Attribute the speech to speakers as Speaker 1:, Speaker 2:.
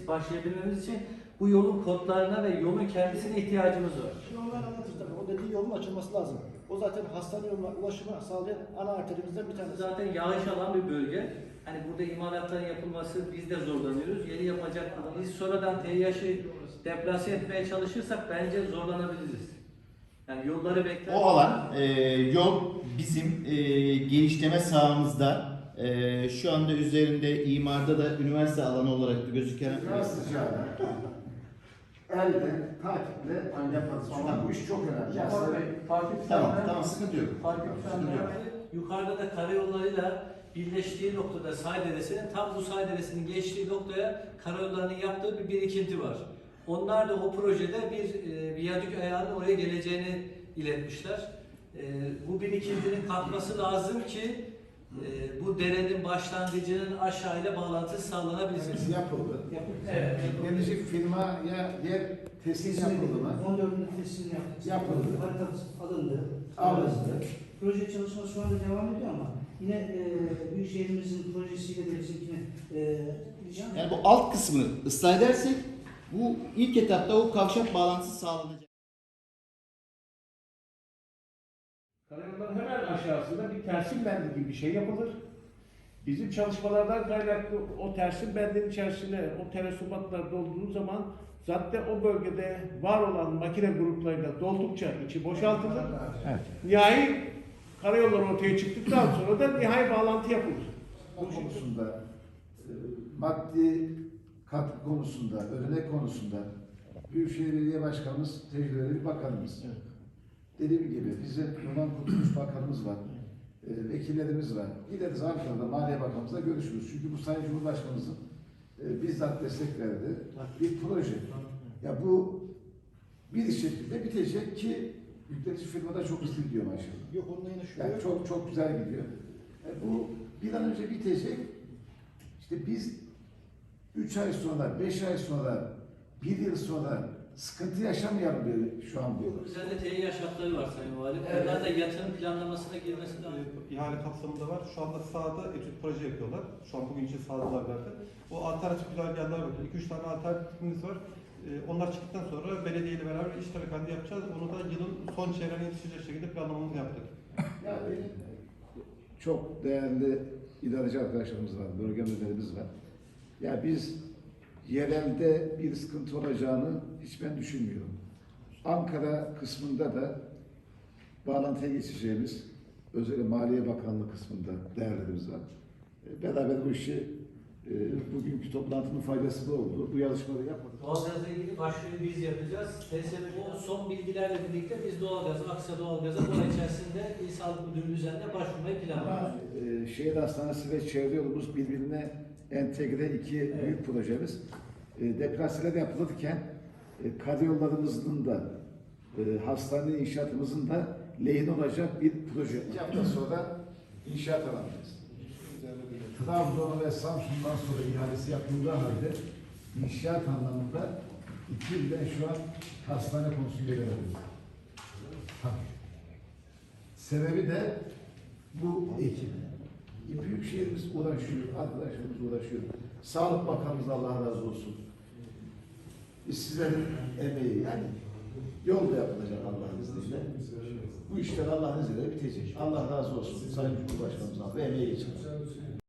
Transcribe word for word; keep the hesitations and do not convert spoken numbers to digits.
Speaker 1: başlayabilmemiz için bu yolun kodlarına ve yolun kendisine ihtiyacımız var.
Speaker 2: Şimdi onlar anlatır tabii. O dediği yolun açılması lazım. O zaten hastane yoluna ulaşımı sağlayan ana arterimizden bir tanesi.
Speaker 1: Zaten yağış alan bir bölge. Hani burada imalatların yapılması biz de zorlanıyoruz. Yeni yapacak biz sonradan T Y H'ı deplase etmeye çalışırsak bence zorlanabiliriz. Yani yolları bekler.
Speaker 3: O alan e, yol bizim e, genişleme sahamızda. E, şu anda üzerinde imarda da üniversite alanı olarak da gözüken
Speaker 4: Sıcağına, elde, takiple yaparız. Ama bu iş çok önemli. Yani
Speaker 3: tamam tamam sıkıntı yok.
Speaker 1: Sıkıntı yok. Yukarıda da karayollarıyla birleştiği noktada Say Deresi'nin tam bu Say Deresi'nin geçtiği noktaya karayollarının yaptığı bir birikinti var. Onlar da o projede bir e, viyadük ayağının oraya geleceğini iletmişler. E, bu birikintinin kalkması lazım ki e, bu derenin başlangıcının aşağıyla bağlantısı sağlanabilsin.
Speaker 4: Hepsi yapıldı.
Speaker 1: Evet.
Speaker 4: Gelecek firmaya yer teslim yapıldı mı?
Speaker 2: on dördünde teslim yaptık.
Speaker 4: Yapıldı.
Speaker 2: Haritası alındı.
Speaker 4: Alındı.
Speaker 2: Proje çalışması şu anda devam ediyor ama yine e, Büyükşehirimizin projesiyle de bizimkine e,
Speaker 3: Yani bu alt kısmını ıslah edersek bu ilk etapta o kavşak bağlantısı sağlanacak.
Speaker 5: Karayolların hemen aşağısında bir tersim bendi gibi bir şey yapılır. Bizim çalışmalardan kaynaklı o tersim bendin içerisine o terasubatlar dolduğu zaman zaten o bölgede var olan makine gruplarıyla doldukça içi boşaltılır.
Speaker 4: Evet.
Speaker 5: Nihai karayolları ortaya çıktıktan sonra da nihai bağlantı yapılır.
Speaker 4: Bu konusunda, e, maddi katkı konusunda, ödenek konusunda Büyükşehir Belediye Başkanımız tecrübeli bir bakanımız.
Speaker 5: Evet.
Speaker 4: Dediğim gibi bizim Yunan Kurtuluş Bakanımız var, e, vekillerimiz var. Gideriz Ankara'da Maliye Bakanımızla görüşürüz. Çünkü bu Sayın Cumhurbaşkanımızın e, bizzat destek verdiği bir proje. Ya bu bir şekilde bitecek ki yükletici firmada çok hızlı gidiyor maşallah.
Speaker 2: yok onunla yine şu.
Speaker 4: Yani çok çok güzel gidiyor. E, bu bir an önce bitecek. İşte biz üç ay sonra, beş ay sonra, bir yıl sonra sıkıntı yaşamayalım diye şu an bu.
Speaker 1: Üzerinde T Y H şartları var Sayın Valim.
Speaker 4: Evet.
Speaker 1: Onlar da yatırım planlamasına girmesi lazım.
Speaker 6: e, ihale kapsamında var. Şu anda sahada etüt proje yapıyorlar. Şu an bugün için sahadalar zaten. O alternatif güzergahlar var. iki üç tane alternatifimiz var. E, onlar çıktıktan sonra belediyeyle beraber iş tarakanda yapacağız. Onu da yılın son çeyreğine yetişecek şekilde planlamamızı yaptık.
Speaker 4: Yani çok değerli idareci arkadaşlarımız var, bölge müdürlerimiz var. Ya biz yerelde bir sıkıntı olacağını hiç ben düşünmüyorum. Ankara kısmında da bağlantıya geçeceğimiz, özellikle Maliye Bakanlığı kısmında değerlerimiz var. E, Beraber bu işi e, bugünkü toplantının faydası da oldu. Bu yazışmaları yapmadık.
Speaker 1: Doğalgazla ilgili başlığı biz yapacağız. T S B o son bilgilerle birlikte biz doğalgazı, Aksa Doğalgaz'a bu ay içerisinde İl Sağlık Müdürlüğü üzerinde başvurmayı planlıyoruz.
Speaker 4: Ama e, şehir hastanesi ve çevre yolumuz birbirine entegre iki
Speaker 1: Evet.
Speaker 4: büyük projemiz. E, deplaseler yapılırken e, karayollarımızın da e, hastane inşaatımızın da lehine olacak bir proje. İki hafta sonra inşaat alacağız. Trabzon ve Samsun'dan sonra ihalesi yapıldığı halde inşaat anlamında iki yıldan şu an hastane konusunu veriyoruz. Sebebi de bu ekip. Büyükşehirimiz uğraşıyor, arkadaşlarımız uğraşıyor. Sağlık Bakanımız Allah razı olsun. Biz sizlerin emeği yani yol da yapılacak Allah'ın izniyle. Bu işler Allah'ın izniyle bitecek. Allah razı olsun. Sayın Cumhurbaşkanımızdan ve emeği için.